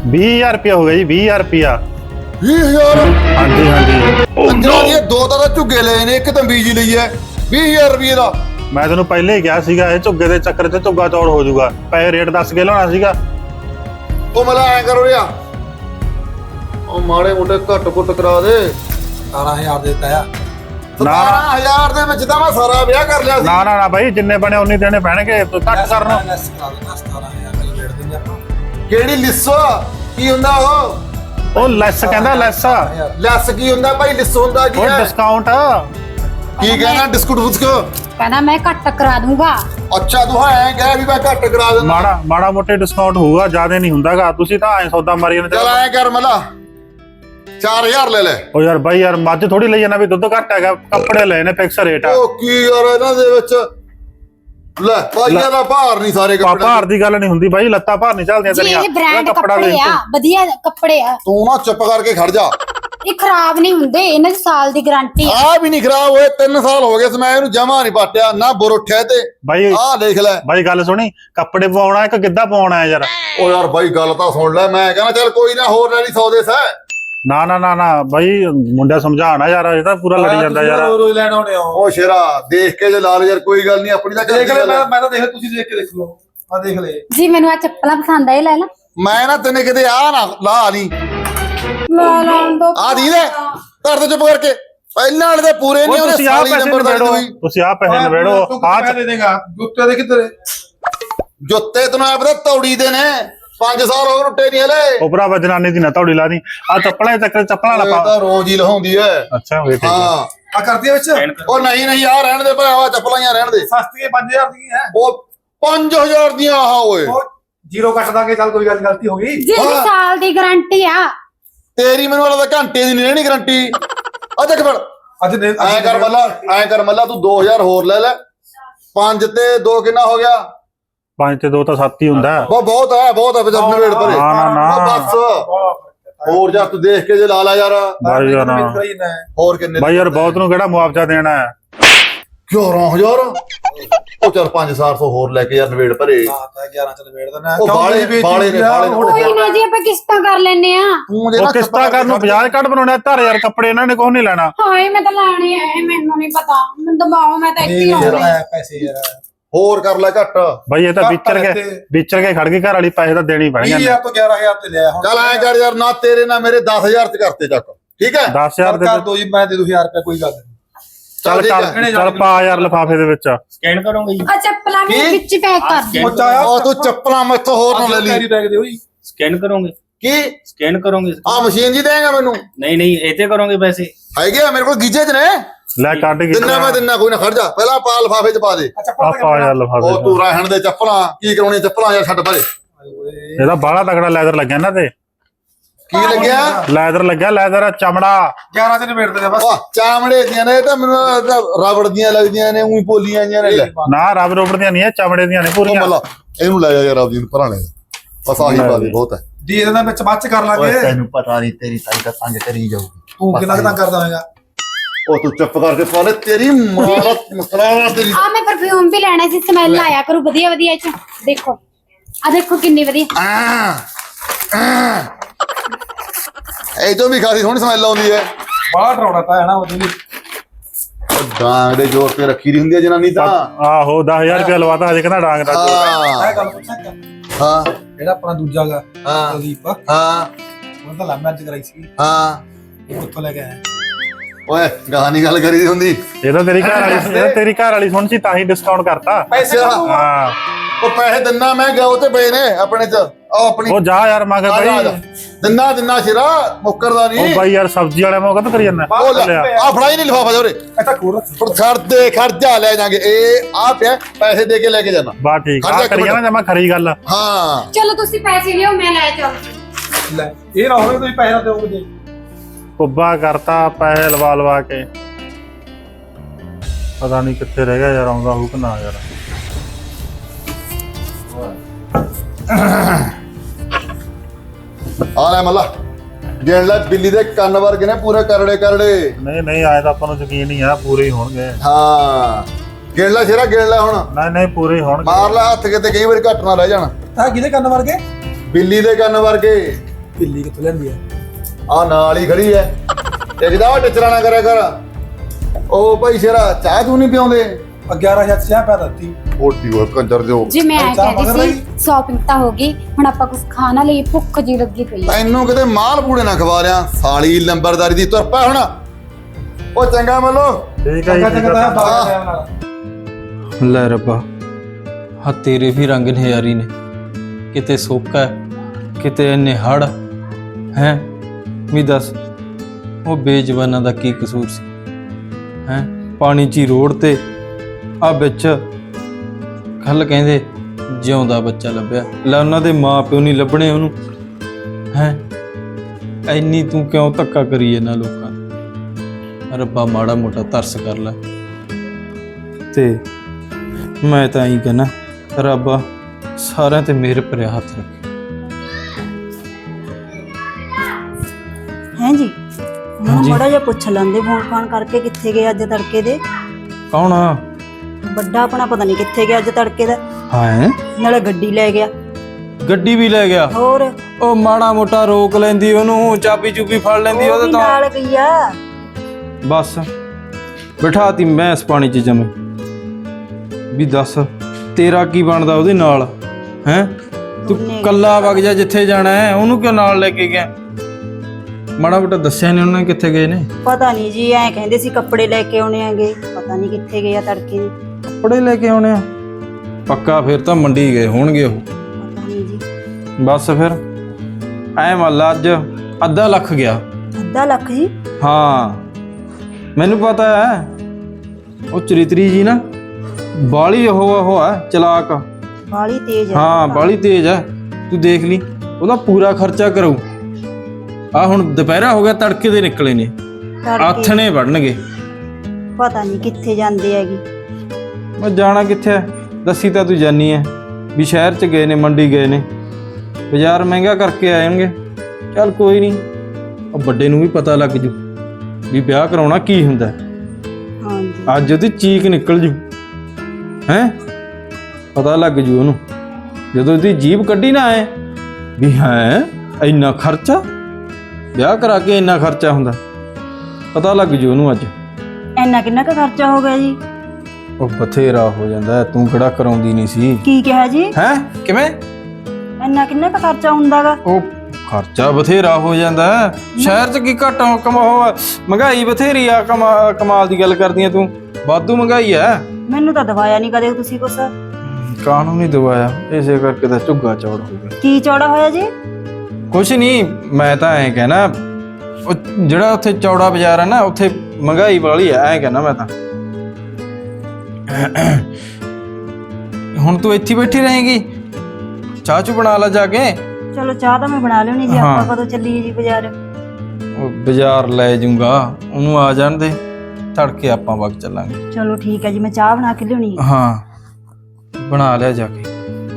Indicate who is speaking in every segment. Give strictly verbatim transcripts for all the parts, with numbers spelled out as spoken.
Speaker 1: बीस हजार रुपया हो गया जी, बीस हजार रुपया।
Speaker 2: बीस हजार
Speaker 1: हाँ जी हाँ जी।
Speaker 2: पंजा ये दो तरह झुग्गे ले ने, एक तंबीजी ਲਈ ਹੈ बीस हजार रुपये ਦਾ।
Speaker 1: ਮੈਂ ਤੈਨੂੰ ਪਹਿਲੇ ਹੀ ਕਿਹਾ ਸੀਗਾ ਇਹ ਝੁੱਗੇ ਦੇ ਚੱਕਰ 'ਚ ਝੁੱਗਾ ਚੌੜ ਹੋ ਜਾਊਗਾ, ਪੈਸੇ ਰੇਟ ਦੱਸ ਕੇ ਲਾਉਣਾ ਸੀਗਾ।
Speaker 2: ਉਹ ਮਲਾ ਐ ਕਰੋ ਰਿਆ, ਉਹ ਮਾੜੇ ਮੋਟੇ ਘੱਟ ਘੁੱਟ ਕਰਾ ਦੇ।
Speaker 3: ਸਤਾਰਾਂ ਹਜ਼ਾਰ ਦੇ ਦਿੱਤਾ ਆ।
Speaker 2: ਸਤਾਰਾਂ ਹਜ਼ਾਰ ਦੇ ਵਿੱਚ ਤਾਂ ਮੈਂ ਸਾਰਾ ਵਿਆਹ ਕਰ ਲਿਆ ਸੀ।
Speaker 1: ਨਾ ਨਾ ਨਾ ਬਾਈ, ਜਿੰਨੇ ਬਣੇ ਉਨੇ ਦੇਣੇ ਪੈਣਗੇ, ਤੂੰ ਘੱਟ ਕਰਨਾ।
Speaker 3: ਲੈਸ ਕਰਾ ਦੇਣਾ, ਸਤਾਰਾਂ ਹਜ਼ਾਰ ਦਾ ਰੇਟ ਦਿੰਦੇ ਆਪਾਂ।
Speaker 2: ਕਿਹੜੀ ਲਿਸੋ ਕੀ ਹੁੰਦਾ ਉਹ?
Speaker 1: ਉਹ ਲੈਸ ਕਹਿੰਦਾ, ਲੈਸ।
Speaker 2: ਲੈਸ ਕੀ ਹੁੰਦਾ ਭਾਈ? ਲਿਸ ਹੁੰਦਾ ਕੀ
Speaker 1: ਉਹ
Speaker 2: ਹੈ?
Speaker 1: ਡਿਸਕਾਊਂਟ।
Speaker 2: ਕੀ ਕਹਿਣਾ ਡਿਸਕਾਊਂਟ ਫੁਸਕੋ?
Speaker 4: ਕਹਿੰਦਾ ਮੈਂ ਘੱਟ ਕਰਾ ਦੂੰਗਾ।
Speaker 2: ਅੱਛਾ ਤੂੰ ਐਂ ਕਹਿ ਵੀ ਮੈਂ ਘੱਟ ਕਰਾ ਦਿੰਦਾ।
Speaker 1: ਮਾੜਾ ਮਾੜਾ ਮੋਟੇ ਡਿਸਕਾਊਂਟ ਹੋਊਗਾ, ਜ਼ਿਆਦਾ ਨਹੀਂ ਹੁੰਦਾਗਾ। ਤੁਸੀਂ ਤਾਂ ਐ ਸੌਦਾ ਮਾਰੀ ਜਾਂਦੇ।
Speaker 2: ਚੱਲ ਐਂ ਕਰ ਮਲਾ ਚਾਰ ਹਜ਼ਾਰ ਲੈ ਲੈ।
Speaker 1: ਉਹ ਯਾਰ ਬਾਈ ਯਾਰ, ਮੱਝ ਥੋੜੀ ਲਈ ਜਾਣਾ ਵੀ ਦੁੱਧ ਘੱਟ ਹੈਗਾ, ਕੱਪੜੇ ਲਏ ਨੇ ਫਿਕਸ ਰੇਟ ਆ।
Speaker 2: ਉਹ ਕੀ ਯਾਰ ਇਹਨਾਂ ਦੇ ਵਿੱਚ ਲੈ ਭਾਈਆਂ ਦਾ ਭਾਰ ਨਹੀਂ ਸਾਰੇ ਕੱਪੜੇ।
Speaker 1: ਭਾਰ ਦੀ ਗੱਲ ਨਹੀਂ ਹੁੰਦੀ ਬਾਈ, ਲੱਤਾਂ ਭਾਰ ਨਹੀਂ ਚੱਲਦੀਆਂ
Speaker 4: ਜੀ
Speaker 1: ਤੇਰੀਆਂ।
Speaker 4: ਇਹ ਬ੍ਰਾਂਡ ਕੱਪੜੇ ਆ, ਵਧੀਆ ਕੱਪੜੇ ਆ।
Speaker 2: ਤੂੰ ਨਾ ਚੁੱਪ ਕਰਕੇ ਖੜ ਜਾ।
Speaker 4: ਇਹ ਖਰਾਬ ਨਹੀਂ ਹੁੰਦੇ, ਇਹਨਾਂ ਦੀ ਸਾਲ ਦੀ ਗਾਰੰਟੀ ਆ।
Speaker 2: ਆ ਵੀ ਨਹੀਂ ਖਰਾਬ ਹੋਏ, ਤਿੰਨ ਸਾਲ ਹੋ ਗਏ ਸੀ ਮੈਂ ਇਹਨੂੰ ਜਮਾ ਨਹੀਂ ਪਾਟਿਆ, ਨਾ ਬੁਰ ਉੱਠਿਆ ਤੇ
Speaker 1: ਬਾਈ
Speaker 2: ਆਹ ਦੇਖ ਲੈ।
Speaker 1: ਬਾਈ ਗੱਲ ਸੁਣੀ, ਕੱਪੜੇ ਪਵਾਉਣਾ ਇੱਕ ਗਿੱਧਾ ਪਵਾਉਣਾ ਹੈ ਯਾਰ।
Speaker 2: ਉਹ ਯਾਰ ਬਾਈ ਗੱਲ ਤਾਂ ਸੁਣ ਲੈ, ਮੈਂ ਕਹਿੰਦਾ ਚੱਲ ਕੋਈ ਨਾ ਹੋਰ ਲੈ ਲਈ ਸੌ ਦੇ ਸੈ।
Speaker 1: ਨਾ ਨਾ ਨਾ ਨਾ ਬਾਈ, ਮੁੰਡਾ ਸਮਝਾਣਾ ਯਾਰ, ਇਹ ਤਾਂ ਪੂਰਾ ਲੜੀ ਜਾਂਦਾ ਯਾਰ।
Speaker 3: ਰੋਜ਼ ਰੋਜ਼ ਲੈਣ ਆਉਣੇ ਆ।
Speaker 2: ਉਹ ਸ਼ੇਰਾ ਦੇਖ ਕੇ ਜੇ ਲਾ ਲੈ ਯਾਰ, ਕੋਈ ਗੱਲ ਨਹੀਂ ਆਪਣੀ ਤਾਂ
Speaker 3: ਦੇਖ
Speaker 2: ਕਰਦੀ
Speaker 3: ਲੈ,
Speaker 2: ਗੱਲ
Speaker 3: ਮੈਂ
Speaker 2: ਹੈ।
Speaker 3: ਮੈਂ ਤਾਂ ਦੇਖ, ਤੁਸੀਂ ਦੇਖ ਕੇ ਦੇਖ ਲਓ। ਆ ਦੇਖ ਲੈ
Speaker 4: ਜੀ ਮੈਨੂੰ ਆ ਚੱਪਲਾਂ ਪਸੰਦ ਆਏ, ਲੈ ਲਾ।
Speaker 2: ਮੈਂ ਨਾ ਤੈਨੂੰ ਕਿਤੇ ਆ ਨਾ ਲਾ ਨਹੀਂ
Speaker 4: ਲਾ ਲਾਉਣ ਦੋ।
Speaker 2: ਆ ਦੀ ਲੈ ਧਰ ਤੇ ਚੁੱਪ ਕਰਕੇ। ਪਹਿਲਾਂ ਵਾਲੇ ਤਾਂ ਪੂਰੇ ਨਹੀਂ, ਉਹਨੇ
Speaker 1: ਤੁਸੀਂ ਆਹ
Speaker 2: ਸਾਲੀ
Speaker 1: ਪੈਸੇ
Speaker 2: ਨੰਬਰ
Speaker 1: ਨਿਬੇੜੋ,
Speaker 2: ਹੋਈ।
Speaker 1: ਤੁਸੀਂ ਆਹ ਪੈਸੇ ਨਿਬੇੜੋ। ਆਹ
Speaker 3: ਦੇ ਦੇਗਾ ਜੁੱਤੇ ਦੇ ਕਿੱਧਰ?
Speaker 2: ਜੁੱਤੇ ਤੈਨੂੰ ਆ ਪਤਾ ਤੌੜੀ ਦੇ ਨੇ, ਪੰਜ ਸਾਲ ਹੋ ਟੁੱਟੇ ਨਹੀਂ ਹਲੇ।
Speaker 1: ਉਹ ਭਰਾਵਾ ਜਨਾਨੀ ਦੀ ਨਾ ਤੌੜੀ ਲਾਣੀ। ਆ ਚੱਪਲਾਂ ਦੇ ਚੱਕਰ ਚੱਪਲਾਂ ਨਾ
Speaker 2: ਇਹ
Speaker 1: ਪਾ।
Speaker 2: ਤਾਂ ਰੋਜ਼ ਹੀ ਲਹਾਉਂਦੀ ਐ।
Speaker 1: ਅੱਛਾ ਵੇਖ
Speaker 2: ਹਾਂ
Speaker 3: ਆ ਕਰਦੀ ਵਿੱਚ
Speaker 2: ਉਹ ਨਹੀਂ ਨਹੀਂ ਆ ਰਹਿਣ ਦੇ ਭਰਾਵਾ, ਚੱਪਲਾਂ ਹੀ ਰਹਿਣ ਦੇ।
Speaker 3: ਸਸਤੀ ਪੰਜ ਹਜ਼ਾਰ ਦੀ ਹੈ।
Speaker 2: ਉਹ ਪੰਜ ਹਜ਼ਾਰ ਦੀਆਂ ਆਹ ਓਏ।
Speaker 3: ਉਹ ਜ਼ੀਰੋ ਕੱਟ ਦਾਂਗੇ, ਚੱਲ ਕੋਈ ਗੱਲ ਗਲਤੀ ਹੋ ਗਈ।
Speaker 4: ਜੀ ਇਹਦੀ ਸਾਲ ਦੀ ਗਾਰੰਟੀ ਆ।
Speaker 2: ਤੇਰੀ ਮੈਨੂੰ ਵਾਲਾ ਤਾਂ ਘੰਟੇ ਦੀ ਨਹੀਂ ਰਹਿਣੀ ਗਰੰਟੀ। ਆ ਦੇਖ ਫੜ
Speaker 3: ਅੱਜ ਨੇ
Speaker 2: ਐ ਕਰ ਮੱਲਾ, ਐ ਕਰ ਮੱਲਾ ਤੂੰ ਦੋ ਹਜ਼ਾਰ ਹੋਰ ਲੈ ਲੈ। ਪੰਜ ਤੇ ਦੋ ਕਿੰਨਾ ਹੋ ਗਿਆ?
Speaker 1: ਪੰਜ ਤੇ ਦੋ ਤਾਂ ਸੱਤ ਹੀ ਹੁੰਦਾ।
Speaker 2: ਬਹੁਤ ਬਹੁਤ ਹੈ, ਬਹੁਤ ਹੈ ਫਿਰ ਨਵੇੜ ਭਰੇ।
Speaker 1: ਨਾ ਨਾ ਨਾ
Speaker 2: ਬਸ ਹੋਰ ਜਾ ਤੂੰ ਦੇਖ ਕੇ ਜੇ ਲਾ ਲਾ ਯਾਰ।
Speaker 1: ਬਾਈ ਯਾਰ ਨਾ।
Speaker 2: ਹੋਰ ਕਿੰਨੇ
Speaker 1: ਬਾਈ ਯਾਰ ਬਹੁਤ ਨੂੰ ਕਿਹੜਾ ਮੁਆਵਜ਼ਾ ਦੇਣਾ ਹੈ?
Speaker 2: ਗਿਆਰਾਂ ਹਜ਼ਾਰ। ਉਹ ਚੱਲ ਪੰਜ ਹਜ਼ਾਰ ਸੌ ਹੋਰ ਲੈ ਕੇ ਯਾਰ ਨਵੇੜ ਭਰੇ।
Speaker 3: ਗਿਆਰਾਂ ਚ ਨਵੇੜ ਦੇਣਾ।
Speaker 2: ਉਹ ਬਾਲੇ ਬਾਲੇ ਨੇ ਬਾਲੇ ਨੇ।
Speaker 4: ਕੋਈ ਨਾ ਜੀ, ਆਪਾਂ ਕਿਸ਼ਤਾਂ ਕਰ ਲੈਨੇ ਆ।
Speaker 2: ਤੂੰ ਜੇ
Speaker 1: ਉਹ
Speaker 2: ਨਾ
Speaker 1: ਕਿਸ਼ਤਾਂ ਕਰਨ ਨੂੰ ਪੰਜਾਹ ਕੱਢ ਬਣਾਉਣਾ, ਧਰ ਯਾਰ ਕੱਪੜੇ ਇਹਨਾਂ ਨੇ ਕੁਛ ਨਹੀਂ ਲੈਣਾ।
Speaker 4: ਹਾਏ ਮੈਂ ਤਾਂ ਲੈਣੇ ਆ, ਮੈਨੂੰ ਨਹੀਂ ਪਤਾ। ਮੈਨੂੰ ਦਬਾਓ, ਮੈਂ ਤਾਂ ਇੱਥੇ ਹੀ ਆਉਂਦੀ।
Speaker 3: ਪੈਸੇ ਯਾਰ
Speaker 2: ਹੋਰ ਕਰ ਲੈ ਘੱਟ।
Speaker 1: ਬਾਈ ਇਹ ਤਾਂ ਵਿਚਰ ਕੇ ਵਿਚਰ ਕੇ ਖੜ ਗਈ ਘਰ ਵਾਲੀ, ਪੈਸੇ ਤਾਂ ਦੇਣੀ ਪੈਣਗੇ।
Speaker 3: ਵੀਹ ਹਜ਼ਾਰ ਤੋਂ ਗਿਆਰਾਂ ਹਜ਼ਾਰ ਤੇ ਲਿਆ ਹੁਣ।
Speaker 2: ਚੱਲ ਐ ਕਰ ਯਾਰ, ਨਾ ਤੇਰੇ ਨਾ ਮੇਰੇ ਦਸ ਹਜ਼ਾਰ ਚ ਕਰਤੇ ਚੱਕ, ਠੀਕ ਹੈ?
Speaker 1: ਦਸ ਹਜ਼ਾਰ ਦੇ
Speaker 3: ਕਰ ਦੋ ਜੀ, ਮੈਂ ਦੇ ਦੂ ਹਜ਼ਾਰ ਰੁਪਏ, ਕੋਈ ਗੱਲ ਨਹੀਂ।
Speaker 1: ਚੱਲ ਕਰ, ਚੱਲ ਪਾ ਯਾਰ ਲਿਫਾਫੇ ਦੇ ਵਿੱਚ।
Speaker 5: ਸਕੈਨ ਕਰੋਗੇ ਜੀ?
Speaker 4: ਆ ਚੱਪਲਾਂ ਵੀ ਵਿੱਚ ਪੈਕ ਕਰ ਦਿਓ।
Speaker 3: ਉਹ ਚਾਇਆ
Speaker 2: ਉਹ ਤੂੰ ਚੱਪਲਾਂ ਮੈਥੋਂ ਹੋਰ ਨਾ ਲੈ ਲਈ।
Speaker 3: ਕੈਰੀ ਬੈਗ ਦਿਓ ਜੀ।
Speaker 5: ਸਕੈਨ ਕਰੋਗੇ?
Speaker 2: ਕੀ
Speaker 5: ਸਕੈਨ ਕਰੋਗੇ?
Speaker 2: ਆ ਮਸ਼ੀਨ ਜੀ ਦੇਗਾ ਮੈਨੂੰ?
Speaker 5: ਨਹੀਂ ਨਹੀਂ, ਇਹ ਤੇ ਕਰੋਗੇ ਪੈਸੇ।
Speaker 2: ਹੈਗੇ ਆ ਮੇਰੇ ਕੋਲ ਗੀਜੇ ਚ ਨੇ।
Speaker 1: ਲੈ ਕੱਢ ਕੇ
Speaker 2: ਦਿਨਾ ਮੈਂ ਦਿਨਾ, ਕੋਈ ਨਾ ਖੜ ਜਾ, ਪਹਿਲਾਂ ਪਾ ਲਿਫਾਫੇ ਚ ਪਾ ਦੇ।
Speaker 1: ਆ ਪਾ ਯਾਰ ਲਿਫਾਫੇ
Speaker 2: ਉਹ ਤੂੰ ਰਹਿਣ ਦੇ ਚੱਪਲਾਂ, ਕੀ ਕਰਾਉਣੀ ਚੱਪਲਾਂ ਯਾਰ, ਛੱਡ ਪਰੇ।
Speaker 1: ਇਹਦਾ ਬਾਹਲਾ ਤਗੜਾ ਲੈਦਰ ਲੱਗਿਆ ਇਹਨਾਂ ਤੇ।
Speaker 2: ਕੀ ਲੱਗਿਆ?
Speaker 1: ਲੈਦਰ ਲੱਗਿਆ, ਲੈਦਰ ਚਮੜਾ।
Speaker 3: ਗਿਆਰਾਂ ਚ ਨਵੇੜ ਦੇਣਾ ਬਸ।
Speaker 2: ਵਾਹ ਚਾਮੜੇ ਦੀਆਂ ਨੇ, ਇਹ ਤਾਂ ਮੈਨੂੰ ਤਾਂ ਰਬੜ ਦੀਆਂ ਲੱਗਦੀਆਂ ਨੇ, ਉਹੀ ਪੋਲੀਆਂ ਜੀਆਂ ਨੇ। ਲੈ
Speaker 1: ਨਾ ਰੱਬ ਰੋਬੜ ਦੀਆਂ ਨਹੀਂ, ਇਹ ਚਮੜੇ ਦੀਆਂ ਨੇ
Speaker 2: ਉਹ
Speaker 1: ਪੂਰੀਆਂ।
Speaker 2: ਮੱਲਾ ਇਹਨੂੰ ਲੈ ਜਾ ਯਾਰ ਆਪਦੀ ਨੂੰ ਭਰਾਣੇ ਦਾ, ਬਸ ਆਹੀ ਪਾ ਦੇ ਬਹੁਤ ਹੈ।
Speaker 3: ਦੀ ਇਹਦੇ ਵਿੱਚ ਬਾਅਦ ਚ ਕਰ
Speaker 2: ਓਏ
Speaker 3: ਲਾਂਗੇ।
Speaker 2: ਤੈਨੂੰ ਪਤਾ ਨਹੀਂ, ਤੇਰੀ ਤਾਈ ਤਾਂ ਤੰਗ ਕਰੀ ਜਾਊਗੀ।
Speaker 3: ਤੂੰ ਕਿੰਨਾ ਕਿੰਨਾ ਕਰਦਾ ਹੋਏਗਾ?
Speaker 2: ਉਹ ਤੂੰ ਚੁੱਪ ਕਰਕੇ ਪਾ ਲੈ, ਤੇਰੀ ਮਾਰਤ ਮਸਰਾਵਾ ਤੇਰੀ।
Speaker 4: ਆ ਮੈਂ ਪਰਫਿਊਮ ਵੀ ਲੈਣਾ ਸੀ, ਸਮੈਲ ਆਇਆ ਕਰੂ ਵਧੀਆ ਵਧੀਆ ਚ। ਦੇਖੋ ਆ ਦੇਖੋ ਕਿੰਨੀ ਵਧੀਆ।
Speaker 2: ਆ ਇਹ ਤੋਂ ਵੀ ਖਾਸੀ ਸੋਹਣੀ ਸਮੈਲ ਆਉਂਦੀ ਹੈ।
Speaker 3: ਬਾਹਰ ਰੌਣਾ ਤਾਂ ਹੈ ਨਾ ਉਹਦੇ ਲਈ।
Speaker 2: ਡਾਂਗ ਦੇ ਜ਼ੋਰ ਤੇ ਰੱਖੀ ਦੀ ਹੁੰਦੀ ਹੈ ਜਨਾਨੀ ਤਾਂ।
Speaker 1: ਆਹੋ ਦਸ ਹਜ਼ਾਰ ਰੁਪਇਆ ਲਵਾਤਾ, ਹਜੇ ਕਹਿੰਦਾ ਡਾਂਗ ਦਾ।
Speaker 2: ਹਾਂ
Speaker 3: ਇਹ ਗੱਲ ਪੁੱਛਾਂ ਕਿ
Speaker 2: ਹਾਂ
Speaker 3: ਜਿਹੜਾ ਆਪਣਾ ਦੂਜਾ ਗਾ
Speaker 2: ਹਾਂ
Speaker 3: ਕੁਲਦੀਪ,
Speaker 2: ਹਾਂ
Speaker 3: ਉਹ ਤਾਂ ਲੰਮੇ ਅੱਜ ਕਰਾਈ ਸੀ।
Speaker 2: ਹਾਂ
Speaker 3: ਉਹ ਕਿੱਥੋਂ ਲੈ ਕੇ ਆਇਆ?
Speaker 2: ਓਏ ਗਾਣੀ ਗੱਲ ਕਰੀ ਦੀ ਹੁੰਦੀ।
Speaker 1: ਇਹ ਤਾਂ ਤੇਰੀ ਘਰ ਵਾਲੀ, ਇਹ ਤਾਂ ਤੇਰੀ ਘਰ ਵਾਲੀ ਸੁਣ ਸੀ ਤਾਂ ਹੀ ਡਿਸਕਾਊਂਟ ਕਰਤਾ।
Speaker 3: ਪੈਸੇ ਕਦੋਂ?
Speaker 1: ਹਾਂ
Speaker 2: ਉਹ ਪੈਸੇ ਦਿਨਾ ਮੈਂ ਗਿਆ ਉਹ ਤੇ ਪਏ ਨੇ ਆਪਣੇ ਚ। ਆਹ ਆਪਣੀ
Speaker 1: ਉਹ ਜਾ ਯਾਰ ਮਗਰ
Speaker 2: ਆ ਜਾ, ਆ ਜਾ।
Speaker 1: ਬਾਈ।
Speaker 2: ਦਿਨਾ ਦਿਨਾ ਸ਼ਿਰਾ ਮੁੱਕਰਦਾ
Speaker 1: ਉਹ
Speaker 2: ਨਹੀਂ।
Speaker 1: ਬਾਈ ਯਾਰ ਸਬਜ਼ੀ ਵਾਲੇ ਮੌਕਾ ਤਾਂ ਕਰੀ ਜਾਂਦਾ।
Speaker 2: ਉਹ ਲੈ ਆ ਫੜਾਈ ਨਹੀਂ ਲਿਫਾਫਾ ਜੋਰੇ।
Speaker 3: ਇੱਥੇ ਖੋਲ।
Speaker 2: ਹੁਣ ਛੱਡ ਦੇ, ਖਰਚਾ ਲੈ ਜਾਾਂਗੇ। ਇਹ ਆ ਪਿਆ, ਪੈਸੇ ਦੇ ਕੇ ਲੈ ਕੇ ਜਾਣਾ।
Speaker 1: ਬਾ ਠੀਕ ਆ, ਕਰੀ ਜਾਣਾ ਜਮਾ ਖਰੀ ਗੱਲ।
Speaker 2: ਹਾਂ
Speaker 4: ਚਲੋ ਤੁਸੀਂ ਪੈਸੇ ਲਿਓ, ਮੈਂ ਲੈ ਚੱਲ।
Speaker 3: ਲੈ ਇਹ ਨਾ ਹੋਵੇ ਤੁਸੀਂ ਪੈਸੇ ਨਾ ਦਿਓਗੇ।
Speaker 1: ਕੁੱਬਾ ਕਰਤਾ ਪੈਸੇ ਲਵਾ ਲਵਾ ਕੇ। ਪਤਾ ਨਹੀਂ ਕਿੱਥੇ ਰਹਿ ਗਿਆ ਯਾਰ, ਆਉਂਦਾ ਹੋਊ ਕਿ ਨਾ ਯਾਰ।
Speaker 2: ਆ ਲੈ ਮੱਲਾ, ਗਿਣ ਲੈ ਬਿੱਲੀ ਦੇ ਕੰਨ ਵਰਗੇ ਨੇ ਪੂਰੇ ਕਰੜੇ ਕਰੜੇ।
Speaker 1: ਨਹੀਂ ਨਹੀਂ ਆਏ ਤਾਂ ਆਪਾਂ ਨੂੰ ਯਕੀਨ ਹੀ ਆ ਪੂਰੇ ਹੀ ਹੋਣਗੇ।
Speaker 2: ਹਾਂ ਗਿਣ ਲੈ ਸ਼ੇਰਾ, ਗਿਣ ਲੈ ਹੁਣ।
Speaker 1: ਨਹੀਂ ਨਹੀਂ ਪੂਰੇ ਹੀ ਹੋਣਗੇ।
Speaker 2: ਮਾਰ ਲੈ ਹੱਥ, ਕਿਤੇ ਕਈ ਵਾਰੀ ਘੱਟ ਨਾ ਰਹਿ ਜਾਣ।
Speaker 3: ਆ ਕਿਹਦੇ ਕੰਨ ਵਰਗੇ?
Speaker 2: ਬਿੱਲੀ ਦੇ ਕੰਨ ਵਰਗੇ।
Speaker 3: ਪਿੱਲੀ ਕਿੱਥੋਂ ਲੈਂਦੀ ਆ?
Speaker 2: ਆ ਨਾਲ ਹੀ ਖੜੀ ਐ ਟਿਕਦਾ ਵਾ ਟਿਚਰਾ ਨਾ ਕਰਿਆ ਕਰ। ਉਹ ਭਾਈ ਸ਼ੇਰਾ ਚਾਹ ਤੂੰ ਨਹੀਂ ਪਿਆਉਂਦੇ?
Speaker 3: ਗਿਆਰਾਂ ਹਜ਼ਾਰ ਚਾਹ ਪਾ ਦਿੱਤੀ।
Speaker 2: ਮੋਟੀ ਹੋ ਕੰਜਰ ਦਿਓ।
Speaker 4: ਜੀ ਮੈਂ
Speaker 3: ਚਾਹ
Speaker 4: ਕਹਿੰਦੀ
Speaker 3: ਮਗਰ
Speaker 4: ਸੀ
Speaker 3: ਰਹੀ?
Speaker 4: ਸ਼ਾਪਿੰਗ ਤਾਂ ਹੋ ਗਈ, ਹੁਣ ਆਪਾਂ ਕੁਝ ਖਾਣਾ ਲਈ ਭੁੱਖ ਜੀ ਲੱਗੀ ਪਈ ਹੈ।
Speaker 2: ਤੈਨੂੰ ਕਿਤੇ ਮਾਲ ਪੂੜੇ ਨਾ ਖਵਾ ਲਿਆ ਸਾਲੀ ਲੰਬਰਦਾਰੀ ਦੀ ਤੁਰ ਪਾ ਹੁਣ। ਉਹ ਚੰਗਾ ਮੱਲੋ।
Speaker 1: ਠੀਕ ਹੈ
Speaker 3: ਚੰਗਾ
Speaker 1: ਜੀ,
Speaker 3: ਚੰਗਾ
Speaker 1: ਠੀਕ
Speaker 3: ਤਾਂ
Speaker 1: ਹੈ।
Speaker 3: ਬਾਗ ਟਾਈਮ ਨਾਲ।
Speaker 6: ਲੈ ਰੱਬਾ, ਹਾਂ ਤੇਰੇ ਵੀ ਰੰਗ ਨਿਹਾਰੀ ਨੇ। ਕਿਤੇ ਸੋਕਾ ਹੈ, ਕਿਤੇ ਇੰਨੇ ਹੜ ਹੈ। ਵੀ ਦੱਸ ਉਹ ਬੇਜਵਾਨਾਂ ਦਾ ਕੀ ਕਸੂਰ ਸੀ ਹੈ? ਪਾਣੀ 'ਚ ਹੀ ਰੋੜ ਤੇ ਆ ਵਿੱਚ ਕੱਲ ਕਹਿੰਦੇ ਜਿਉਂਦਾ ਬੱਚਾ ਲੱਭਿਆ। ਲੈ ਉਹਨਾਂ ਦੇ ਮਾਂ ਪਿਓ ਨਹੀਂ ਲੱਭਣੇ ਉਹਨੂੰ ਹੈ। ਐਨੀ ਤੂੰ ਕਿਉਂ ਧੱਕਾ ਕਰੀ ਇਹਨਾਂ ਲੋਕਾਂ ਦਾ? ਰੱਬਾ ਮਾੜਾ ਮੋਟਾ ਤਰਸ ਕਰ ਲੈ। ਤੇ ਮੈਂ ਤਾਂ ਇਹੀ ਕਹਿਣਾ, ਰੱਬਾ ਸਾਰਿਆਂ ਤੇ ਮੇਰੇ ਭਰਿਆ ਹੱਥ ਰੱਖੇ।
Speaker 7: ਹੈਂ ਜੀ
Speaker 6: ਹਾਂਜੀ।
Speaker 7: ਮੈਨੂੰ ਬੜਾ ਜਿਹਾ ਪੁੱਛ ਲੈਂਦੇ ਫੋਨ ਫਾਨ ਕਰਕੇ ਕਿੱਥੇ ਗਏ ਅੱਜ ਤੜਕੇ ਦੇ।
Speaker 6: ਕੌਣ ਆ?
Speaker 7: ਵੱਡਾ ਆਪਣਾ ਪਤਾ ਨਹੀਂ ਕਿੱਥੇ ਗਿਆ ਅੱਜ ਤੜਕੇ ਦਾ।
Speaker 6: ਹਾਂ,
Speaker 7: ਨਾਲੇ ਗੱਡੀ ਲੈ ਗਿਆ।
Speaker 6: ਗੱਡੀ ਵੀ ਲੈ ਗਿਆ।
Speaker 7: ਹੋਰ
Speaker 6: ਉਹ ਮਾੜਾ ਮੋਟਾ ਰੋਕ ਲੈਂਦੀ ਉਹਨੂੰ, ਚਾਬੀ ਚੂਬੀ ਫੜ ਲੈਂਦੀ
Speaker 7: ਉਹ
Speaker 6: ਉਹਦੇ
Speaker 7: ਵੀ
Speaker 6: ਤੋਂ।
Speaker 7: ਨਾਲ ਗਈ ਆ।
Speaker 6: ਬਸ ਬਿਠਾਤੀ ਮੈਂ ਇਸ ਪਾਣੀ 'ਚ ਜਮੇ। ਵੀ ਦੱਸ ਤੇਰਾ ਕੀ ਬਣਦਾ ਉਹਦੇ ਨਾਲ ਹੈ? ਤੂੰ
Speaker 7: ਉਹਨੇ
Speaker 6: ਕੱਲਾ ਵਗ ਜਾ ਜਿੱਥੇ ਜਾਣਾ ਹੈ, ਉਹਨੂੰ ਕਿਉਂ ਨਾਲ ਲੈ ਕੇ ਗਿਆ? ਮਾੜਾ ਮੋਟਾ ਦੱਸਿਆ ਨਹੀਂ ਉਹਨਾਂ ਨੇ ਕਿੱਥੇ ਗਏ ਨੇ?
Speaker 7: ਪਤਾ ਨਹੀਂ ਜੀ, ਐਂ ਕਹਿੰਦੇ ਸੀ ਕੱਪੜੇ ਲੈ ਕੇ ਆਉਣੇ ਆਗੇ, ਪਤਾ ਨਹੀਂ ਕਿੱਥੇ ਗਏ ਆ ਤੜਕੇ ਨੂੰ।
Speaker 6: ਕੱਪੜੇ ਲੈ ਕੇ ਆਉਣੇ ਆ? ਪੱਕਾ ਫਿਰ ਤਾਂ ਮੰਡੀ ਗਏ ਹੋਣਗੇ ਉਹ।
Speaker 7: ਪਤਾ ਨਹੀਂ ਜੀ।
Speaker 6: ਬਸ ਫਿਰ ਐ ਮੰਨ ਲਾ ਅੱਜ ਅੱਧਾ ਲੱਖ ਗਿਆ।
Speaker 7: ਅੱਧਾ ਲੱਖ ਜੀ?
Speaker 6: ਹਾਂ ਮੈਨੂੰ ਪਤਾ ਹੈ। ਉਹ ਚਰਿਤਰੀ ਜੀ ਨਾ ਬਾਲੀ ਉਹ ਉਹ ਹੈ ਚਲਾਕ।
Speaker 7: ਬਾਲੀ ਤੇਜ਼ ਆ।
Speaker 6: ਹਾਂ ਬਾਲੀ ਤੇਜ਼ ਹੈ। ਤੂੰ ਦੇਖ ਲਈ ਉਹਦਾ ਪੂਰਾ ਖਰਚਾ ਕਰਾਉ। ਆ ਹੁਣ ਦੁਪਹਿਰਾ ਹੋ ਗਿਆ, ਤੜਕੇ ਦੇ ਨਿਕਲੇ ਨੇ,
Speaker 7: ਤੜਕੇ
Speaker 6: ਆਥਣੇ ਵੜਨਗੇ।
Speaker 7: ਪਤਾ ਨਹੀਂ ਕਿੱਥੇ ਜਾਂਦੇ ਹੈਗੇ।
Speaker 6: ਮੈਂ ਜਾਣਾ ਕਿੱਥੇ ਹੈ? ਦੱਸੀ ਤਾਂ ਤੂੰ ਜਾਨੀ ਹੈ ਵੀ ਸ਼ਹਿਰ 'ਚ ਗਏ ਨੇ, ਮੰਡੀ ਗਏ ਨੇ, ਬਾਜ਼ਾਰ ਮਹਿੰਗਾ ਕਰਕੇ ਆਏਣਗੇ। ਚੱਲ ਕੋਈ ਨਹੀਂ, ਉਹ ਵੱਡੇ ਨੂੰ ਵੀ ਪਤਾ ਲੱਗ ਜੂ ਵੀ ਵਿਆਹ ਕਰਾਉਣਾ ਕੀ ਹੁੰਦਾ।
Speaker 7: ਹਾਂਜੀ
Speaker 6: ਅੱਜ ਉਹਦੀ ਚੀਕ ਨਿਕਲ ਜੂ ਹੈ, ਪਤਾ ਲੱਗ ਜੂ ਉਹਨੂੰ ਜਦੋਂ ਉਹਦੀ ਜੀਭ ਕੱਢੀ ਨਾ ਆਏ ਵੀ ਹੈ ਇੰਨਾ ਖਰਚਾ, ਵਿਆਹ ਕਰਾ ਕੇ ਇੰਨਾ ਖਰਚਾ ਹੁੰਦਾ। ਪਤਾ ਲੱਗ ਜੂ ਉਹਨੂੰ ਅੱਜ।
Speaker 7: ਇੰਨਾ ਕਿੰਨਾ ਕੁ ਖਰਚਾ ਹੋ ਗਿਆ ਜੀ?
Speaker 6: ਉਹ ਬਥੇਰਾ ਹੋ ਜਾਂਦਾ, ਤੂੰ ਕਿਹੜਾ ਕਰਾਉਂਦੀ ਨਹੀਂ ਸੀ?
Speaker 7: ਕੀ ਕਿਹਾ ਜੀ?
Speaker 6: ਹੈ ਕਿਵੇਂ?
Speaker 7: ਇੰਨਾ ਕਿੰਨਾ ਕੁ ਖਰਚਾ ਹੁੰਦਾਗਾ?
Speaker 6: ਉਹ ਖਰਚਾ ਬਥੇਰਾ ਹੋ ਜਾਂਦਾ ਸ਼ਹਿਰ 'ਚ। ਕੀ ਘੱਟ ਕਮਾ ਮਹਿੰਗਾਈ ਬਥੇਰੀ ਆ। ਕਮਾ ਕਮਾਲ ਦੀ ਗੱਲ ਕਰਦੀ ਆ ਤੂੰ, ਵਾਧੂ ਮਹਿੰਗਾਈ ਆ।
Speaker 7: ਮੈਨੂੰ ਤਾਂ ਦਵਾਇਆ ਨਹੀਂ ਕਦੇ ਤੁਸੀਂ ਕੁਛ।
Speaker 6: ਕਾਹਨੂੰ ਨਹੀਂ ਦਵਾਇਆ? ਇਸੇ ਕਰਕੇ ਤਾਂ ਝੁੱਗਾ ਚੌੜ ਹੋ ਗਿਆ।
Speaker 7: ਕੀ ਚੌੜਾ ਹੋਇਆ ਜੀ?
Speaker 6: ਕੁਛ ਨਹੀਂ, ਮੈਂ ਤਾਂ ਐਂ ਕਹਿਣਾ ਉਹ ਜਿਹੜਾ ਉੱਥੇ ਚੌੜਾ ਬਾਜ਼ਾਰ ਹੈ ਨਾ, ਉੱਥੇ ਮਹਿੰਗਾਈ ਵਾਲੀ ਐ, ਐਂ ਕਹਿਣਾ ਮੈਂ ਤਾਂ। ਹੁਣ ਤੂੰ ਇੱਥੇ ਬੈਠੀ ਰਹੇਂਗੀ? ਚਾਹ ਚੂ ਬਣਾ ਲੈ ਜਾ ਕੇ।
Speaker 7: ਚਲੋ ਚਾਹ ਤਾਂ ਮੈਂ ਬਣਾ ਲਿਓਣੀ ਜੀ।
Speaker 6: ਹਾਂ।
Speaker 7: ਆਪਾਂ ਕਦੋਂ ਚੱਲੀਏ ਜੀ ਬਾਜ਼ਾਰ?
Speaker 6: ਉਹ ਬਾਜ਼ਾਰ ਲੈ ਜਾਊਂਗਾ, ਉਹਨੂੰ ਆ ਜਾਣ ਦੇ, ਤੜਕੇ ਆਪਾਂ ਵਗ ਚੱਲਾਂਗੇ।
Speaker 7: ਚਲੋ ਠੀਕ ਹੈ ਜੀ, ਮੈਂ ਚਾਹ ਬਣਾ ਕੇ ਲਿਓਣੀ।
Speaker 6: ਹਾਂ ਬਣਾ ਲਿਆ ਜਾ ਕੇ।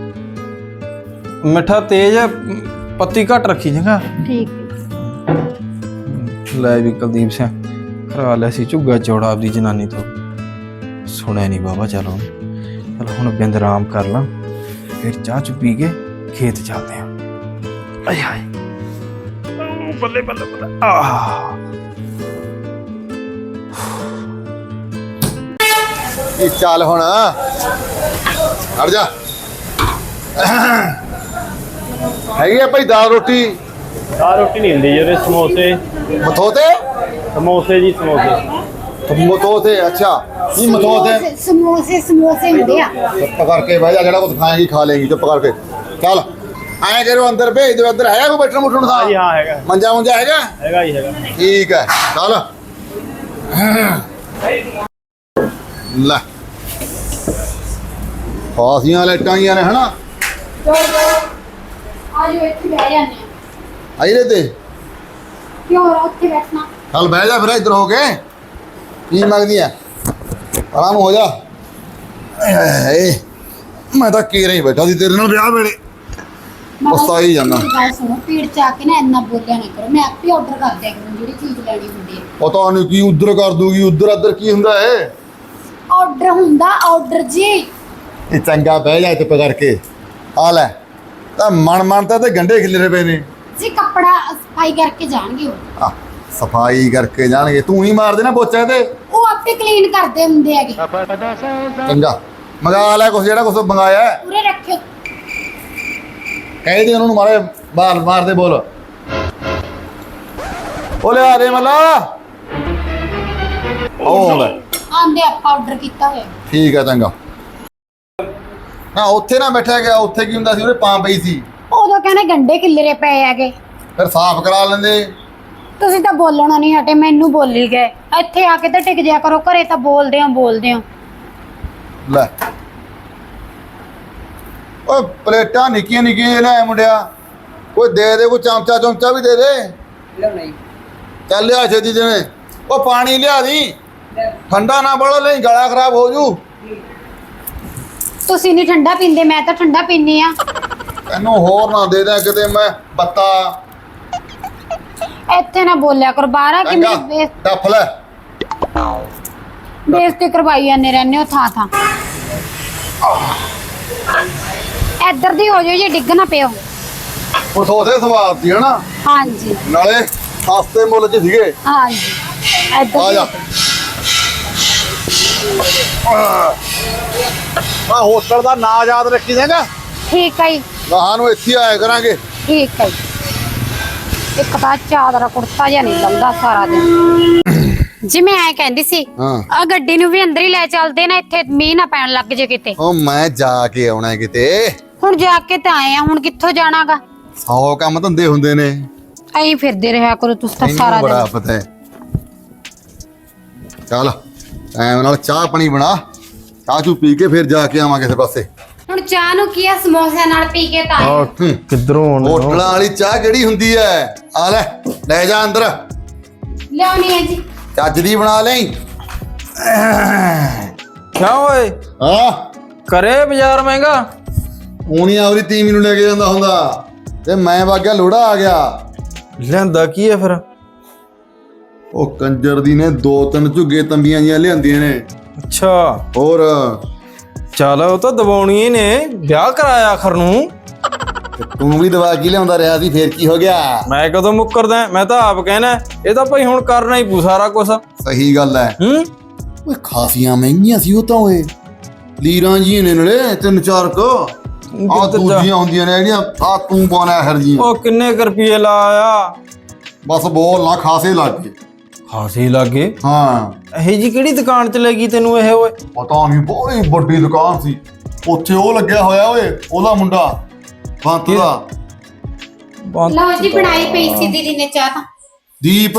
Speaker 6: ਮਿੱਠਾ ਤੇਜ਼ ਹੈ, ਪੱਤੀ ਘੱਟ ਰੱਖੀ ਚੰਗਾ।
Speaker 7: ਠੀਕ ਹੈ।
Speaker 6: ਲੈ ਵੀ ਕੁਲਦੀਪ ਸਿੰਘ ਕਰਾ ਲਿਆ ਸੀ ਝੁੱਗਾ ਚੌੜਾ ਆਪਦੀ ਜਨਾਨੀ ਤੋਂ, ਸੁਣਿਆ ਨਹੀਂ ਬਾਬਾ। ਚਲੋ ਚਲ ਹੁਣ ਬਿੰਦ ਆਰਾਮ ਕਰ ਲਾਂ, ਫਿਰ ਚਾਹ ਚੁ ਪੀ ਕੇ ਖੇਤ ਚੱਲਦੇ ਆਂ। ਆਏ ਹਾਏ ਬੱਲੇ ਬੱਲੇ ਬੱਲੇ। ਆਹ
Speaker 2: ਇਹ ਚੱਲ ਹੁਣ ਹਟ ਜਾ। ਹੈਗੀ ਆ ਭਾਈ ਦਾਲ ਰੋਟੀ?
Speaker 5: ਆ ਰੋਟੀ ਨਹੀਂ ਹੁੰਦੀ ਜਿਹੜੇ ਸਮੋਸੇ
Speaker 2: ਮਥੋਤੇ?
Speaker 5: ਸਮੋਸੇ ਜੀ ਸਮੋਸੇ।
Speaker 2: ਮਥੋਤੇ ਅੱਛਾ। ਕੀ ਮਥੋਤੇ?
Speaker 4: ਸਮੋਸੇ ਸਮੋਸੇ ਹੁੰਦੇ ਆ।
Speaker 2: ਚੁੱਪ ਕਰਕੇ ਬਹਿ ਜਾ, ਜਿਹੜਾ ਕੁਝ ਖਾਏਗੀ ਖਾ ਲੇਗੀ। ਚੁੱਪ ਕਰਕੇ ਚੱਲ। ਐਂ ਕਰੋ ਅੰਦਰ ਭੇਜ ਦਿਓ। ਅੰਦਰ ਹੈਗਾ ਕੋਈ ਬੈਠਣ ਮੁੱਠਣ ਦਾ?
Speaker 5: ਹਾਂ ਜੀ ਹਾਂ ਹੈਗਾ,
Speaker 2: ਮੰਜਾ ਮੁੰਜਾ ਹੈਗਾ?
Speaker 5: ਹੈਗਾ ਜੀ ਹੈਗਾ।
Speaker 2: ਠੀਕ ਹੈ ਚੱਲ। ਲੈ ਫਾਸੀਆਂ ਲਾਈਟਾਂ ਆਈਆਂ ਨੇ ਹਨਾ।
Speaker 4: ਆਜੋ ਇੱਥੇ ਬਹਿ ਜਾਂਦੇ ਆ।
Speaker 2: ਆਈਰੇ ਤੇ
Speaker 4: ਕਿਉਂ ਉੱਥੇ ਬੈਠਣਾ?
Speaker 2: ਚੱਲ ਬਹਿ ਜਾ ਫਿਰ ਇੱਧਰ ਹੋ ਕੇ। ਕੀ ਮੰਗਦੀ ਆ? ਆਰਾਮ ਹੋ ਜਾ। ਆਏ ਹਾਏ ਹਾਏ, ਮੈਂ ਤਾਂ ਕੀ ਰਹੀ ਬੈਠਾ ਸੀ ਤੇਰੇ ਨਾਲ ਵਿਆਹ ਵੇਲੇ। ਪਛਤਾਈ ਜਾਂਦਾ।
Speaker 4: ਗੱਲ ਸੁਣੋ, ਪੀੜ ਚ ਆ ਕੇ ਨਾ ਇੰਨਾ ਬੋਲਿਆ ਨਾ ਕਰੋ। ਮੈਂ ਆਪੇ ਆਰਡਰ ਕਰ ਦਿਆ ਕਰੂੰ ਜਿਹੜੀ ਚੀਜ਼ ਲੈਣੀ ਹੁੰਦੀ ਹੈ।
Speaker 2: ਪਤਾ ਨਹੀਂ ਕੀ ਉਧਰ ਕਰ ਦੂਗੀ, ਉਧਰ ਅੱਧਰ ਕੀ ਹੁੰਦਾ ਏ?
Speaker 4: ਆਰਡਰ ਹੁੰਦਾ ਆਰਡਰ ਜੀ।
Speaker 2: ਇਹ ਚੰਗਾ ਬਹਿ ਜਾ ਚੁੱਪ ਕਰਕੇ। ਆ ਲੈ ਤਾਂ ਮਨ ਮਨ ਤਾਂ ਤੇ ਗੰਢੇ ਖਿਲਰੇ ਪਏ ਨੇ।
Speaker 4: ਜੀ ਕੱਪੜਾ ਸਫਾਈ ਕਰਕੇ ਜਾਣਗੇ ਉਹ
Speaker 2: ਆ ਸਫਾਈ ਕਰਕੇ ਜਾਣਗੇ, ਤੂੰ ਹੀ ਮਾਰ ਦੇਣਾ ਪੋਚਾ ਤੇ।
Speaker 4: ਉਹ ਆਪੇ ਕਲੀਨ ਕਰਦੇ ਹੁੰਦੇ ਹੈਗੇ।
Speaker 2: ਚੰਗਾ ਮੰਗਾ ਲੈ ਕੁਛ, ਜਿਹੜਾ ਕੁਛ ਮੰਗਾਇਆ ਹੈ।
Speaker 4: ਪੂਰੇ ਰੱਖਿਓ।
Speaker 2: ਕਹਿ ਦੇ ਉਹਨਾਂ ਨੂੰ ਮਾਰੇ ਬਾਲ ਮਾਰਦੇ ਬੋਲ। ਉਹ ਲਿਆ ਦੇ ਮੱਲਾ। ਉਹ ਲੈ
Speaker 4: ਆਂਦੇ ਆਪਾਂ ਆਰਡਰ ਕੀਤਾ ਹੋਇਆ।
Speaker 2: ਠੀਕ ਹੈ ਚੰਗਾ। ਨਾ ਉੱਥੇ ਨਾ ਬੈਠਿਆ ਗਿਆ, ਉੱਥੇ ਕੀ ਹੁੰਦਾ ਸੀ, ਉਹਦੇ ਪਾਂ ਪਈ ਸੀ।
Speaker 4: ਉਦੋਂ ਕਹਿੰਦੇ ਗੰਡੇ ਕਿੱਲਰੇ ਪਏ ਹੈਗੇ।
Speaker 2: ਫਿਰ ਸਾਫ਼ ਕਰਾ ਲੈਂਦੇ।
Speaker 4: ਤੁਸੀਂ ਤਾਂ ਬੋਲਣਾ ਨਹੀਂ ਹਟੇ, ਮੈਨੂੰ ਬੋਲੀ ਗਏ। ਇੱਥੇ ਆ ਕੇ ਤਾਂ ਟਿਕ ਜਿਆ ਕਰੋ, ਘਰੇ ਤਾਂ ਬੋਲਦੇ ਹੋ ਬੋਲਦੇ ਹੋ।
Speaker 2: ਲੈ ਓਏ ਪਲੇਟਾਂ ਨਿੱਕੀਆਂ ਨਿੱਕੀਆਂ ਲੈ ਮੁੰਡਿਆ, ਕੋਈ ਦੇ ਦੇ, ਕੋਈ ਚਮਚਾ ਚਮਚਾ ਵੀ ਦੇ ਦੇ। ਚੱਲ ਲਿਆ ਛੇਤੀ ਜਿਵੇਂ। ਉਹ ਪਾਣੀ ਲਿਆ ਦੀ, ਠੰਡਾ ਨਾ ਬੜਾ ਲਈ, ਗਲਾ ਖਰਾਬ ਹੋ ਜੂ।
Speaker 4: ਤੁਸੀਂ ਨਹੀਂ ਠੰਡਾ ਪੀਂਦੇ, ਮੈਂ ਤਾਂ ਠੰਡਾ ਪੀਨੀ ਆ।
Speaker 2: ਤੈਨੂੰ ਹੋਰ ਨਾ ਦੇ ਦਿਆਂ ਕਿਤੇ ਮੈਂ ਬੱਤਾ।
Speaker 4: ਇੱਥੇ ਨਾ ਬੋਲਿਆ ਕਰੋ, ਬਾਹਰ ਆ ਕੇ
Speaker 2: ਚੰਗਾ
Speaker 4: ਮੇਰੀ ਬੇਇੱਜ਼-
Speaker 2: ਡੱਫ ਲੈ।
Speaker 4: ਬੇਇੱਜ਼ਤੀ ਕਰਵਾਈ ਜਾਂਦੇ ਰਹਿੰਦੇ ਹੋ ਥਾਂ ਥਾਂ। ਇੱਧਰ ਦੀ ਹੋ ਜਾਓ ਜੇ ਡਿੱਗ ਨਾ ਪਿਓ।
Speaker 2: ਉਹ ਸੋਦੇ ਸਵਾਦ ਸੀ ਹਨਾ,
Speaker 4: ਹਾਂਜੀ
Speaker 2: ਨਾਲੇ ਸਸਤੇ ਮੁੱਲ 'ਚ ਸੀਗੇ।
Speaker 4: ਹਾਂਜੀ
Speaker 2: ਆ
Speaker 4: ਇੱਧਰ
Speaker 2: ਜਾ। ਆ ਹੋਟਲ ਦਾ ਨਾਂ ਯਾਦ ਰੱਖੀ ਦੇਗਾ,
Speaker 4: ਠੀਕ ਹੈ ਜੀ,
Speaker 2: ਗਾਹਾਂ ਨੂੰ ਇੱਥੇ ਆਇਆ ਕਰਾਂਗੇ।
Speaker 4: ਠੀਕ ਹੈ ਜੀ। ਇੱਕ ਤਾਂ ਚਾਦਰਾ ਕੁੜਤਾ ਜਿਹਾ ਨਹੀਂ ਲਾਉਂਦਾ ਸਾਰਾ ਦਿਨ। ਜੀ ਮੈਂ ਐ ਕਹਿੰਦੀ ਸੀ,
Speaker 2: ਹਾਂ
Speaker 4: ਆ ਗੱਡੀ ਨੂੰ ਵੀ ਅੰਦਰ ਹੀ ਲੈ ਚੱਲਦੇ ਨਾ, ਇੱਥੇ ਮੀਂਹ ਨਾ ਪੈਣ ਲੱਗ ਜੇ ਕਿਤੇ।
Speaker 2: ਉਹ ਮੈਂ ਜਾ ਕੇ ਆਉਣਾ ਕਿਤੇ।
Speaker 4: ਹੁਣ ਜਾ ਕੇ ਤਾਂ ਆਏ ਆ, ਹੁਣ ਕਿੱਥੋਂ ਜਾਣਾਗਾ।
Speaker 2: ਸੌ ਕੰਮ ਧੰਦੇ ਹੁੰਦੇ ਨੇ,
Speaker 4: ਐਂ ਫਿਰਦੇ ਰਿਹਾ ਕਰੋ ਤੁਸੀਂ ਤਾਂ
Speaker 2: ਤੈਨੂੰ
Speaker 4: ਸਾਰਾ
Speaker 2: ਬੜਾ
Speaker 4: ਦਿਨ।
Speaker 2: ਪਤਾ ਹੈ। ਚੱਲ ਟਾਈਮ ਨਾਲ ਚਾਹ ਪਾਣੀ ਬਣਾ, ਚਾਹ ਚੂ ਪੀ ਕੇ ਫਿਰ ਜਾ ਕੇ ਆਵਾਂ ਕਿਸੇ ਪਾਸੇ।
Speaker 4: ਹੁਣ ਚਾਹ ਨੂੰ ਕੀ ਆ, ਸਮੋਸਿਆਂ ਨਾਲ ਪੀ ਕੇ ਤਾਂ ਆਏ।
Speaker 2: ਹੂੰ,
Speaker 6: ਕਿੱਧਰੋਂ ਆਉਣਾ?
Speaker 2: ਹੋਟਲਾਂ ਵਾਲੀ ਚਾਹ ਕਿਹੜੀ ਹੁੰਦੀ ਹੈ? ਆ ਲੈ ਲੈ ਜਾ ਅੰਦਰ,
Speaker 4: ਲਿਆਉਣੀ ਹੈ ਜੀ।
Speaker 2: ਚੱਜ ਦੀ ਬਣਾ ਲਈ।
Speaker 6: ਕਿਉਂ ਓਏ,
Speaker 2: ਹਾਂ
Speaker 6: ਕਰੇ ਬਾਜ਼ਾਰ ਮਹਿੰਗਾ?
Speaker 2: ਉਹਨੀ ਆਵਰੀ ਤੀਵੀਂ ਨੂੰ ਲੈ ਕੇ ਜਾਂਦਾ ਹੁੰਦਾ ਤੇ ਮੈਂ ਵਾਗਿਆ ਲੋੜਾ ਆ ਗਿਆ।
Speaker 6: ਲਿਆਂਦਾ ਕੀ ਹੈ ਫਿਰ?
Speaker 2: ਉਹ ਕੰਜਰ ਦੀ ਨੇ ਦੋ ਤਿੰਨ ਝੁੱਗੇ ਤੰਬੀਆਂ ਜੀਆਂ ਲਿਆਂਦੀਆਂ ਨੇ।
Speaker 6: ਅੱਛਾ
Speaker 2: ਹੋਰ
Speaker 6: ਚੱਲ, ਉਹ ਤਾਂ ਦਬਾਉਣੀ ਹੀ ਨੇ, ਵਿਆਹ ਕਰਾਇਆ ਆਖਰ ਨੂੰ।
Speaker 2: ਤੇ ਤੂੰ ਵੀ ਦਵਾ ਕੇ ਲਿਆਉਂਦਾ ਰਿਹਾ ਸੀ, ਫੇਰ ਕੀ ਹੋ ਗਿਆ?
Speaker 6: ਮੈਂ ਕਦੋਂ ਮੁੱਕਰਦਾ, ਮੈਂ ਤਾਂ ਆਪ ਕਹਿਣਾ ਇਹ ਤਾਂ ਭਾਈ ਹੁਣ ਕਰਨਾ ਹੀ ਪੂ ਸਾਰਾ ਕੁਛ।
Speaker 2: ਸਹੀ ਗੱਲ ਹੈ।
Speaker 6: ਹੂੰ
Speaker 2: ਓਏ ਖਾਸੀਆਂ ਮਹਿੰਗੀਆਂ ਸੀ ਉਹ ਤਾਂ, ਓਏ ਲੀਰਾਂ ਜੀ ਨੇ ਨਲੇ ਤਿੰਨ ਚਾਰ ਕੁ। ਆ ਦੂਜੀਆਂ ਹੁੰਦੀਆਂ ਨੇ ਜਿਹੜੀਆਂ ਆ ਤੂੰ ਪਾਉਣਾ ਹਰ ਜੀਆਂ।
Speaker 6: ਉਹ ਕਿੰਨੇ ਕੁ ਰੁਪਏ ਲਾਇਆ?
Speaker 2: ਬਸ ਬੋਲ ਨਾ, ਖਾਸੇ ਲੱਗ ਗਏ।
Speaker 6: ਖਾਸੀ ਲੱਗੇ।
Speaker 2: ਹਾਂ
Speaker 6: ਇਹ ਜੀ ਕਿਹੜੀ ਦੁਕਾਨ ਚ ਲੱਗੀ ਤੈਨੂੰ ਇਹ ਓਏ?
Speaker 2: ਪਤਾ ਨਹੀਂ, ਬੜੀ ਵੱਡੀ ਦੁਕਾਨ ਸੀ। ਉੱਥੇ ਉਹ ਲੱਗਿਆ ਹੋਇਆ ਓਏ, ਉਹਦਾ ਮੁੰਡਾ ਬੰਤ ਦਾ।
Speaker 6: ਬੰਦ-
Speaker 4: ਲਓ ਜੀ, ਬਣਾਈ ਪਈ ਸੀ ਦੀਦੀ ਨੇ ਚਾਹ ਤਾਂ।
Speaker 2: ਦੀਪ।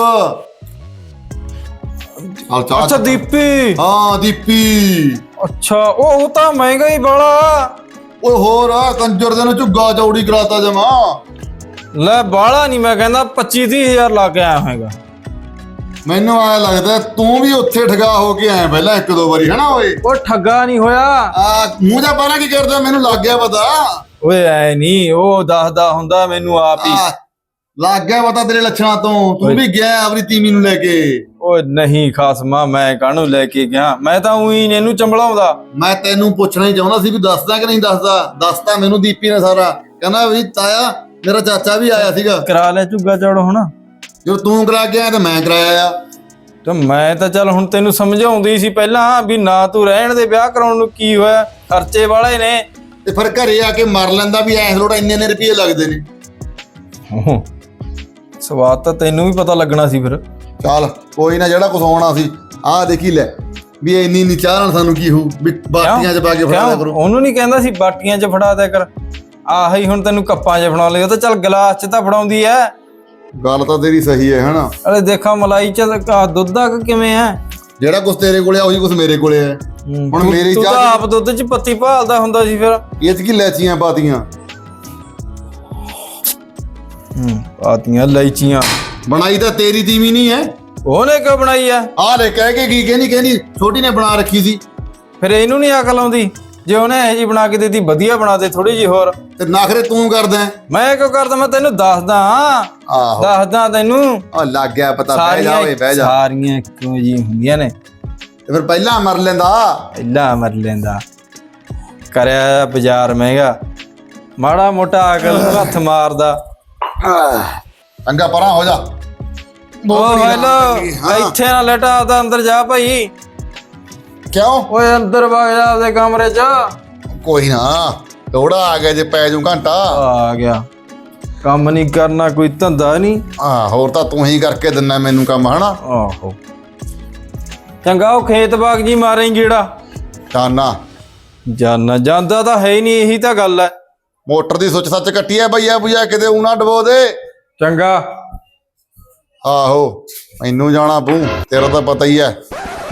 Speaker 2: ਆ ਚਾਹ।
Speaker 6: ਅੱਛਾ ਦੀਪੀ।
Speaker 2: ਹਾਂ ਦੀਪੀ।
Speaker 6: ਅੱਛਾ ਉਹ ਉਹ ਤਾਂ ਮਹਿੰਗਾ ਹੀ ਬੜਾ।
Speaker 2: ਓਏ ਹੋਰ ਆ ਕੰਜਰ ਦੇ ਨੂੰ ਝੁੱਗਾ ਚੌੜੀ ਕਰਾਤਾ ਜਮਾ।
Speaker 6: ਲੈ ਬਾਹਲਾ ਨਹੀਂ, ਮੈਂ ਕਹਿੰਦਾ ਪੱਚੀ ਤੀਹ ਹਜ਼ਾਰ ਲਾ ਕੇ ਆਇਆ ਹੋਏਗਾ।
Speaker 2: ਮੈਨੂੰ ਆਇਆ ਲੱਗਦਾ ਤੂੰ ਵੀ ਉੱਥੇ ਠਗਾ ਹੋ ਕੇ ਆਇਆ ਪਹਿਲਾਂ ਇੱਕ ਦੋ ਵਾਰੀ, ਹਨਾ ਓਏ?
Speaker 6: ਉਹ ਠੱਗਾ ਨਹੀਂ ਹੋਇਆ
Speaker 2: ਆ ਮੂੰਹ ਜਾ ਪਾਣਾ ਕੀ ਕਰਦਾ, ਮੈਨੂੰ ਲੱਗ ਗਿਆ ਪਤਾ।
Speaker 6: ਓਏ ਐ ਨਹੀਂ, ਉਹ ਦੱਸਦਾ ਹੁੰਦਾ ਮੈਨੂੰ ਆਪ ਹੀ।
Speaker 2: ਆ, ਲੱਗ ਗਿਆ ਪਤਾ ਤੇਰੇ ਲੱਛਣਾਂ ਤੋਂ। ਤੂੰ ਵੀ ਗਿਆ ਆਪਣੀ ਤੀਵੀਂ ਨੂੰ ਲੈ ਕੇ।
Speaker 6: ਓਏ ਨਹੀਂ ਖਾਸਮਾ, ਮੈਂ ਕਾਹਨੂੰ ਲੈ ਕੇ ਗਿਆ? ਮੈਂ ਤਾਂ ਉਹੀ ਇਹਨੂੰ ਚੰਬਲਾਉਂਦਾ।
Speaker 2: ਮੈਂ ਤੈਨੂੰ ਪੁੱਛਣਾ ਹੀ ਚਾਹੁੰਦਾ ਸੀ ਵੀ ਦੱਸਦਾ ਕਿ ਨਹੀਂ ਦੱਸਦਾ। ਦੱਸਤਾ ਮੈਨੂੰ ਦੀਪੀ ਨੇ ਸਾਰਾ। ਕਹਿੰਦਾ ਵੀ ਤਾਇਆ ਮੇਰਾ ਚਾਚਾ ਵੀ ਆਇਆ ਸੀਗਾ।
Speaker 6: ਕਰਾ ਲੈ ਝੁੱਗਾ ਚੌੜ ਹੁਣ।
Speaker 2: ਜੋ ਤੂੰ ਕਰਾ ਗਿਆ ਤੇ ਮੈਂ ਕਰਾਇਆ ਆ।
Speaker 6: ਤੇ ਮੈਂ ਤਾਂ ਚੱਲ ਹੁਣ ਤੈਨੂੰ ਸਮਝਾਉਂਦੀ ਸੀ ਪਹਿਲਾਂ ਵੀ ਨਾ ਤੂੰ ਰਹਿਣ ਦੇ, ਵਿਆਹ ਕਰਾਉਣ ਨੂੰ ਕੀ ਹੋਇਆ, ਖਰਚੇ ਵਾਲੇ ਨੇ।
Speaker 2: ਤੇ ਫਿਰ ਘਰੇ ਆ ਕੇ ਮਰ ਲੈਂਦਾ ਵੀ ਐਸ ਲੋੜਾ ਇੰਨੇ ਇੰਨੇ ਰੁਪਏ ਲੱਗਦੇ ਨੇ।
Speaker 6: ਓਹ, ਸਵਾਦ ਤਾਂ ਤੈਨੂੰ ਵੀ ਪਤਾ ਲੱਗਣਾ ਸੀ ਫਿਰ।
Speaker 2: ਚੱਲ ਕੋਈ ਨਾ, ਜਿਹੜਾ ਕੁਛ ਆਉਣਾ ਸੀ ਆਹ ਦੇਖੀ ਲੈ ਵੀ ਇੰਨੀ ਇੰਨੀ ਚਾਹ ਨਾਲ ਸਾਨੂੰ ਕੀ ਹੋਊ ਵੀ ਬਾਟੀਆਂ 'ਚ ਪਾ ਕੇ ਫੜਾ ਦਿਆ
Speaker 6: ਕਿਉਂ?
Speaker 2: ਕਰੋ।
Speaker 6: ਉਹਨੂੰ ਨਹੀਂ ਕਹਿੰਦਾ ਸੀ ਬਾਟੀਆਂ 'ਚ ਫੜਾ ਦਿਆ ਕਰ। ਆਹੀ ਹੁਣ ਤੈਨੂੰ ਕੱਪਾਂ 'ਚ ਫੜਾ ਲਿਆ ਤਾਂ ਚੱਲ ਗਲਾਸ 'ਚ ਤਾਂ ਫੜਾਉਂਦੀ ਐ।
Speaker 2: ਗੱਲ ਤਾਂ ਤੇਰੀ ਸਹੀ ਹੈ ਹਨਾ।
Speaker 6: ਅਰੇ ਦੇਖਾ ਮਲਾਈ 'ਚ ਤਾਂ ਦੁੱਧ ਦਾ ਕਿਵੇਂ ਐ?
Speaker 2: ਜਿਹੜਾ ਕੁਛ ਤੇਰੇ ਕੋਲੇ ਆ ਉਹੀ ਕੁਛ ਮੇਰੇ ਕੋਲੇ ਹੈ। ਹੁਣ
Speaker 6: ਤੂੰ-
Speaker 2: ਮੇਰੀ
Speaker 6: ਤੂੰ ਤਾਂ
Speaker 2: ਚਾਹ
Speaker 6: ਆਪ ਦੁੱਧ 'ਚ ਪੱਤੀ ਭਾਲਦਾ ਹੁੰਦਾ ਸੀ ਫਿਰ।
Speaker 2: ਇਹ 'ਚ ਕੀ ਲੈਚੀਆਂ ਪਾਤੀਆਂ?
Speaker 6: ਹੂੰ ਪਾਤੀਆਂ ਇਲਾਇਚੀਆਂ।
Speaker 2: ਬਣਾਈ ਤਾਂ ਤੇਰੀ ਤੀਵੀਂ ਨਹੀਂ ਹੈ।
Speaker 6: ਉਹਨੇ ਕਿਉਂ ਬਣਾਈ ਐ?
Speaker 2: ਆਹ ਲੈ ਕਹਿ ਕੇ ਕੀ ਕਹਿੰਦੀ ਕਹਿੰਦੀ ਛੋਟੀ ਨੇ ਬਣਾ ਰੱਖੀ ਸੀ।
Speaker 6: ਫਿਰ ਇਹਨੂੰ ਨਹੀਂ ਅਕਲ ਆਉਂਦੀ? ਜੇ ਉਹਨੇ ਇਹ ਜੀ ਬਣਾ ਕੇ ਦਿੱਤੀ, ਵਧੀਆ ਬਣਾ ਦੇ ਥੋੜੀ ਜਿਹੀ ਹੋਰ।
Speaker 2: ਤੇ ਨਖਰੇ ਤੂੰ ਕਰਦਾ ਹੈ।
Speaker 6: ਮੈਂ ਕਿਉਂ ਕਰਦਾ? ਮੈਂ ਤੈਨੂੰ ਦੱਸਦਾ
Speaker 2: ਆਹੋ
Speaker 6: ਦੱਸਦਾ ਤੈਨੂੰ।
Speaker 2: ਆ ਲੱਗ ਗਿਆ ਪਤਾ। ਬਹਿ ਜਾ ਓਏ ਬਹਿ ਜਾ।
Speaker 6: ਸਾਰੀਆਂ ਇੱਕੋ ਜਿਹੀ ਹੁੰਦੀਆਂ ਨੇ।
Speaker 2: ਤੇ ਫਿਰ ਪਹਿਲਾਂ ਮਰ ਲੈਂਦਾ।
Speaker 6: ਪਹਿਲਾਂ ਮਰ ਲੈਂਦਾ। ਕਰਿਆ ਬਾਜ਼ਾਰ ਮਹਿੰਗਾ, ਮਾੜਾ ਮੋਟਾ ਅਕਲ ਨੂੰ ਹੱਥ ਮਾਰਦਾ।
Speaker 2: ਚੰਗਾ ਪਰਾਂ ਹੋ ਜਾ
Speaker 6: ਓ
Speaker 2: ਬੋਤਲ ਹੀ
Speaker 6: ਹੈਲੋ
Speaker 2: ਨਾਲ ਹਾਂ।
Speaker 6: ਇੱਥੇ ਨਾ ਲੇਟਾ ਆਪਦਾ ਅੰਦਰ ਜਾ ਭਾਈ
Speaker 2: ਕਿਉਂ
Speaker 6: ਓਏ ਅੰਦਰ ਵਗ ਜਾ ਆਪਦੇ ਕਮਰੇ 'ਚ
Speaker 2: ਕੋਈ ਨਾ ਲੋੜਾ ਆ ਗਿਆ ਜੇ ਪੈ ਜੂ ਘੰਟਾ
Speaker 6: ਆ ਗਿਆ ਕੰਮ ਨਹੀਂ ਕਰਨਾ ਕੋਈ ਧੰਦਾ ਨਹੀਂ
Speaker 2: ਹਾਂ ਹੋਰ ਤਾਂ ਤੂੰ ਹੀ ਕਰਕੇ ਦਿੰਨਾ ਮੈਨੂੰ ਕੰਮ ਹਨਾ
Speaker 6: ਆਹੋ ਚੰਗਾ ਉਹ ਖੇਤ ਬਾਗ ਜੀ ਮਾਰੇ ਗੇੜਾ
Speaker 2: ਜਾਨਾ
Speaker 6: ਜਾਨਾ ਜਾਂਦਾ ਤਾਂ ਹੈ ਹੀ ਨਹੀਂ ਇਹੀ ਤਾਂ ਗੱਲ ਹੈ
Speaker 2: ਮੋਟਰ ਦੀ ਸੁੱਚ ਸੱਚ ਕੱਟੀ ਐ ਬਈਆ ਬੁਈਆ ਕਿਤੇ ਊ ਨਾ ਡਬੋ ਦੇ
Speaker 6: ਚੰਗਾ
Speaker 2: ਆਹੋ ਮੈਨੂੰ ਜਾਣਾ ਪੂ ਤੇਰਾ ਤਾਂ ਪਤਾ ਹੀ ਐ